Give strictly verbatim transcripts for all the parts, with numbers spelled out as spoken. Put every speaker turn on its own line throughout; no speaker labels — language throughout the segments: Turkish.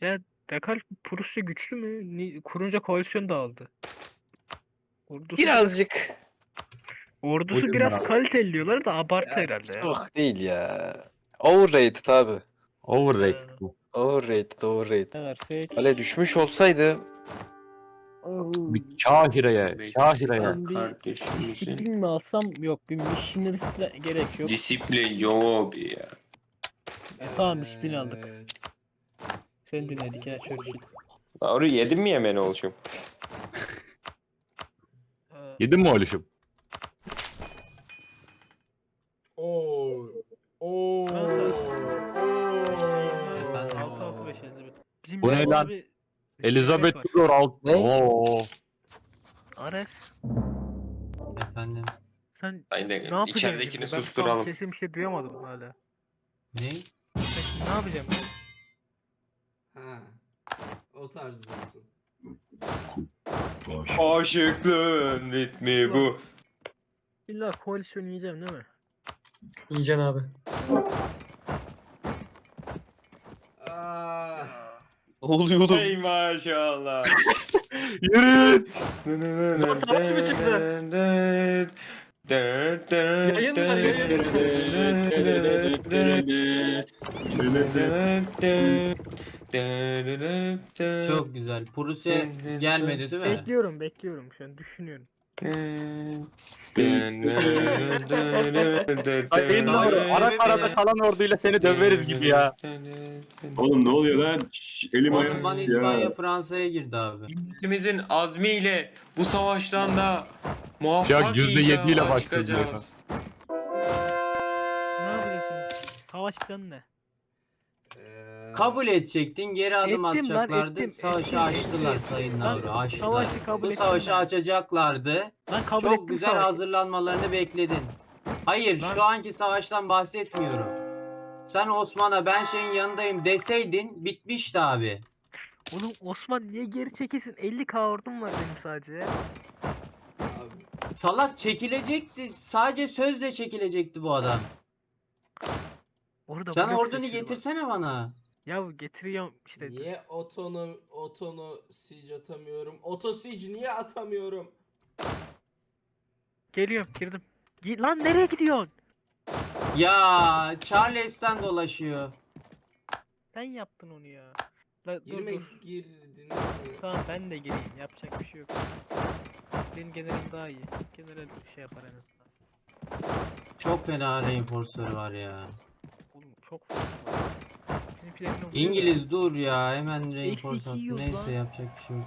Ya Dekal Prusya güçlü mü? Ni- Kurunca koalisyon dağıldı. Ordusu biraz,
Birazcık.
ordusu
Buyurun
biraz
abi.
kaliteli diyorlar da abartı
Ya,
herhalde ya.
çok değil ya. Overrated abi.
Overrated
Ha.
bu.
Overrated, overrated.
Ne versek?
Kale düşmüş olsaydı
Bir Kahireye, Kahireye.
Ben bir
Kardeşimizin
disiplin mi alsam? Yok, bir missionary'e gerek yok.
disiplin yok ya.
E, tamam, disiplin aldık.
Evet.
Seni dinledik ya çocuk.
Doğru yedin mi yemen oluşum?
Ee,
Yedin mi oğlum?
Oo. Oo.
Fransa.
Oo.
altı altı beş Elizabeth. Bizim
Bu ne
Japonya'da
lan?
bir
Elizabeth
var.
Tudor alt.
Ne?
Oo.
Ares,
Efendim.
sen
Aynen.
ne yapacaksın?
İçeridekini
şimdi? Ben tam
susturalım.
kesin bir şey duyamadım hala.
Ne?
Sen ne yapacağım ben?
Ha. O tarz diyorsun.
Aşıklığın ritmi bu.
İlla koalisyon yiyeceğim değil mi?
Yiyeceksin abi.
Aa.
oluyordu.
Ey maşallah.
Yürü.
Lan savaş mı çıktı? Yayın var,
Çok güzel. Prusya gelmedi değil mi?
Bekliyorum, bekliyorum şu an düşünüyorum.
Sayın
Savaş
Nuri,
sebebi
ara karada
ne?
kalan orduyla seni döveriz gibi ya.
Oğlum ne oluyor lan? Şş, elim
Osmanlı
ayağım
İspanya
ya.
Fransa'ya girdi abi.
Milletimizin azmiyle bu savaştan da muvaffak
yüzde yedi ile
inşallah
başlıyor
çıkacağız.
Ne yapıyorsun? Savaş planı ne?
Ee,
Kabul edecektin, geri adım
Ettim lan,
atacaklardı.
ettim,
Savaşı
ettim,
açtılar
ettim.
Sayın
Lan,
Navru, açtılar.
savaşı kabul
Bu
ettim
savaşı
ben.
açacaklardı.
Lan kabul
Çok
ettim
güzel
savaşı.
hazırlanmalarını bekledin. Hayır,
Lan-
şu anki savaştan bahsetmiyorum. Sen Osman'a ben şeyin yanındayım deseydin bitmişti abi.
Oğlum Osman niye geri çekilsin? elli K ordum var benim sadece ya.
abi,
Salak çekilecekti. Sadece sözle çekilecekti bu adam.
Orada
Sen
blok
ordunu
seçiyor bak.
getirsene bana.
Ya getiriyorum işte.
niye otonu otonu siege atamıyorum? Oto siege niye atamıyorum?
Geliyorum, girdim. Gi- Lan nereye gidiyorsun?
Ya Charles'ten dolaşıyor.
Sen yaptın onu ya. La, dur
Girme
dur.
girdin.
Tamam ben de gireyim. Yapacak bir şey yok. Benim generalim daha iyi. General bir şey yapar en azından.
Çok fena reinforce'ları var ya.
Oğlum çok fazla var. Bizimkilerin o-
İngiliz dur ya hemen reinforce
iki
attı.
yiyoruz
Neyse
lan.
yapacak bir şey yok.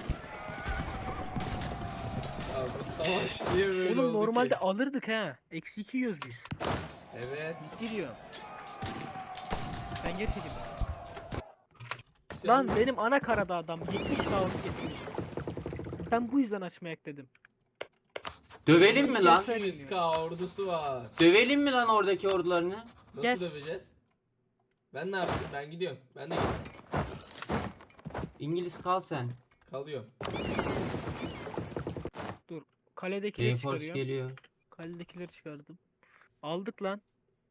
Abi savaş niye böyle
Oğlum
oldu
normalde
ki?
alırdık ha. Eksi iki yiyoruz biz.
Evet.
Ciddi diyorum. Ben geri çekildim.
Sen-
Lan benim ana karada adam yetmiş kavga getirmiş. Ben bu yüzden açmayak dedim.
Dövelim mi lan?
iki yüz K ordusu var.
Dövelim mi lan oradaki ordularını?
Nasıl
Gel.
döveceğiz? Ben ne yapayım? Ben gidiyorum. Ben de gidiyorum.
İngiliz kal sen.
Kalıyorum.
Kaledekileri
Reinforce
çıkarıyorum.
geliyor.
Kaledekileri çıkardım. Aldık lan.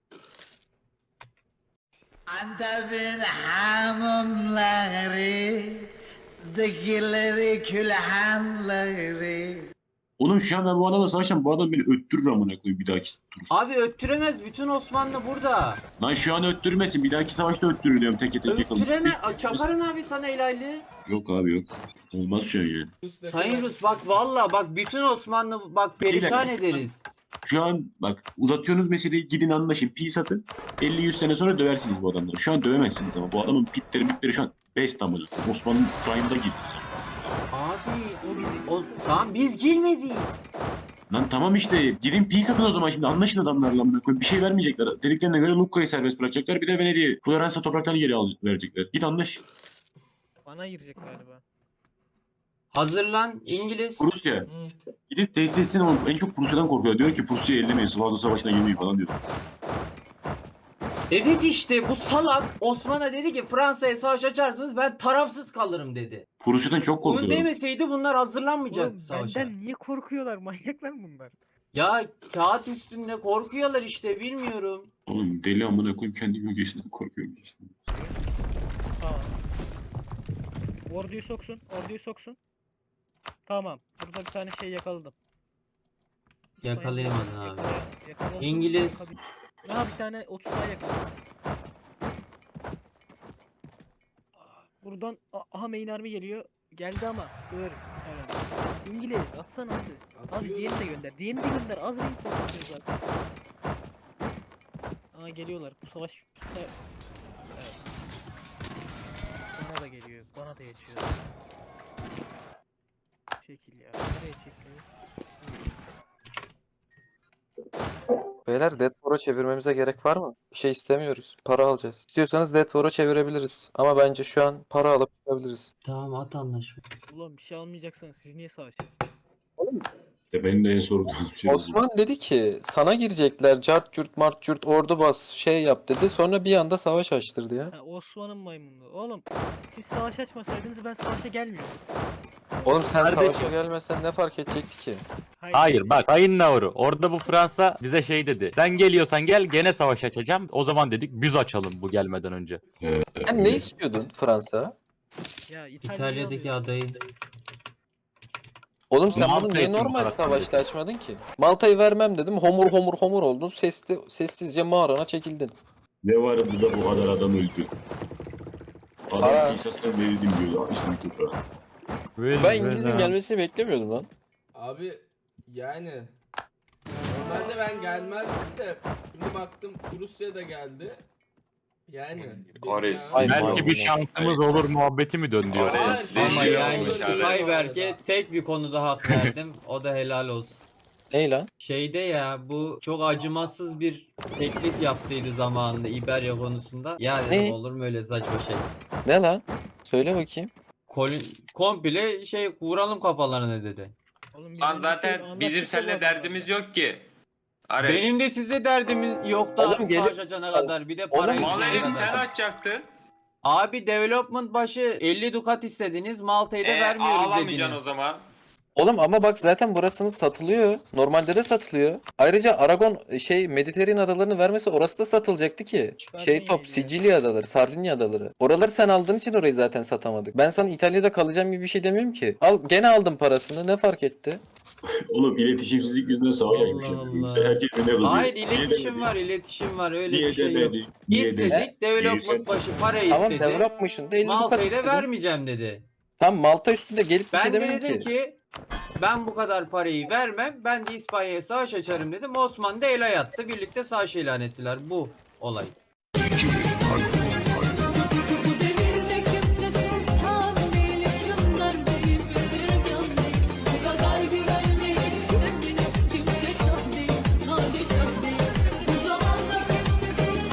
Antep'in hanımları, dikileri külhanları.
Oğlum şu an ben bu adamla savaşsam bu adam beni öttürür amına koyayım bir dahaki tur.
Abi öttüremez. Bütün Osmanlı burada.
Lan şu an öttürmesin bir dahaki savaşta öttürür diyorum tek tek yakalım.
Öttüreme. Aa, Çakarım abi sana helalli.
Yok abi yok. Olmaz şu an yani.
Rus ne
Sayın
kadar-
Rus bak valla bak bütün Osmanlı bak perişan ederiz.
Şu an bak uzatıyorsunuz meseleyi gidin anlaşın peace atın. elli yüz sene sonra döversiniz bu adamları. Şu an dövemezsiniz ama bu adamın pitleri mitleri şu an best amına. Osmanlı prime'da girdi.
Abi o bizi o tamam biz girmedik.
Lan tamam işte gidin peace atın o zaman şimdi anlaşın adamlarla amına koyayım. Bir şey vermeyecekler. Dediklerine göre Lucca'yı serbest bırakacaklar. Bir de Venedik'i Floransa topraklarını geri al verecekler. Git anlaş.
Bana girecek galiba.
Hazırlan İngiliz.
Prusya.
Hı.
Gidip tehdit etsin ama en çok Prusya'dan korkuyor. Diyor ki Prusya'yı ellemeyin. Sivaslı Savaşı'na girmeyin falan diyor.
Evet işte bu salak Osman'a dedi ki Fransa'ya savaş açarsınız ben tarafsız kalırım dedi.
Prusya'dan çok
Bunu
korkuyor.
demeseydi bunlar hazırlanmayacaktı
Oğlum
savaşa.
benden niye korkuyorlar? Manyaklar mı bunlar?
Ya kağıt üstünde korkuyorlar işte bilmiyorum.
Oğlum deli amına koyayım kendi gölgesinden korkuyorum işte.
Aa. Orduyu soksun. Orduyu soksun. Tamam. Burada bir tane şey yakaladım.
Yakalayamadın abi.
Yakala- yakaladım.
İngiliz.
Yakabil- Aha bir tane otuz daha yakaladım. Buradan a- aha main army geliyor. Geldi ama dur. Evet. İngiliz atsana abi. Abi
Atıyorum.
diğerini de gönder. Diğerini de gönder. Az renk topluyor zaten. Aa geliyorlar. Bu savaş evet. Bana da geliyor. Bana da geçiyor. Çekil ya. Nereye çekil?
Beyler Death War'a çevirmemize gerek var mı? Bir şey istemiyoruz. Para alacağız. İstiyorsanız Death War'a çevirebiliriz. Ama bence şu an para alıp çıkabiliriz.
Tamam at anlaşma.
Ulan bir şey almayacaksanız siz niye savaşacaksınız?
İşte benim de en sorduğum şey bu.
Osman dedi ki sana girecekler. Cart curt mart curt ordu bas şey yap dedi. Sonra bir anda savaş açtırdı ya.
Ha, Osman'ın maymunluğu. Oğlum siz savaş açmasaydınız ben savaşa gelmiyordum.
Oğlum sen
Kardeşim.
savaşa gelmesen ne fark edecekti ki?
Hayır bak Sayın Nauru. Orada bu Fransa bize şey dedi. Sen geliyorsan gel gene savaş açacağım. O zaman dedik biz açalım bu gelmeden önce.
Ee,
Sen ne istiyordun Fransa?
Ya İtalya'yı
İtalya'daki
alıyor.
adayı.
Oğlum sen
Malta
bunu niye
için bu
normal
kadar
savaşta açmadın ki? Malta'yı vermem dedim. Homur homur homur oldun. Sesli, sessizce mağarana çekildin.
Ne vardı da bu kadar adam öldü.
Aa.
Adam İsa'sına verildim diyordu. İslam toprağı.
Ben İngiliz'in gelmesini beklemiyordum lan.
Abi yani normalde ben gelmezdim de şimdi baktım Rusya da geldi. Yani
Ares.
dünya-
Ay,
Belki bir şansımız olur muhabbeti mi döndü
Ares.
yoksa?
Hayır,
Ama
Reji
yani
olmuş abi.
Skyberg'e tek bir konuda hak verdim. O da helal olsun.
Ney lan?
Şeyde ya bu çok acımasız bir teklif yaptıydı zamanında İberya konusunda. Ya dedim
Ne?
olur mu öyle saçma şey.
Ne lan? Söyle bakayım.
Kolin, komple şey vuralım kafalarına dedi.
Oğlum biz
Lan
önce
zaten
anlaştık
bizim
ya
seninle
bu
derdimiz
adamlarla.
yok ki. Ares.
Benim de size derdim yok da
Oğlum gelip-
savaş açana kadar bir de
Oğlum,
para
Mal
isteyene
herif sen
kadar.
açacaktın.
Abi development başı elli dukat istediniz. Malta'yı da
E,
vermiyoruz
ağlamayacaksın
dediniz.
o zaman.
Oğlum ama bak zaten burasını satılıyor. Normalde de satılıyor. Ayrıca Aragon şey Mediterranean adalarını vermese orası da satılacaktı ki. Şey
Sardinya'ydı
top
ya.
Sicilya adaları, Sardinya adaları. Oraları sen aldığın için orayı zaten satamadık. Ben sana İtalya'da kalacağım gibi bir şey demiyorum ki. Al gene aldım parasını. Ne fark etti?
Oğlum iletişimsizlik yüzünden savaş
Allah
açmış.
Allah.
Herkes birine kızıyor.
Hayır
Niye
iletişim
demedi?
var iletişim var öyle
Niye
bir şey yok.
demedi? Niye
İstedik
demedi?
development başı para
Tamam
istedi.
developmışsın da elli dukat
Malta'yı da
istedim.
vermeyeceğim dedi.
Tam Malta üstünde gelip bir
Ben
şey
de
demedim
dedim
ki.
ki ben bu kadar parayı vermem. Ben de İspanya'ya savaş açarım dedim. Osman da el ayattı. Birlikte savaş ilan ettiler. Bu olay.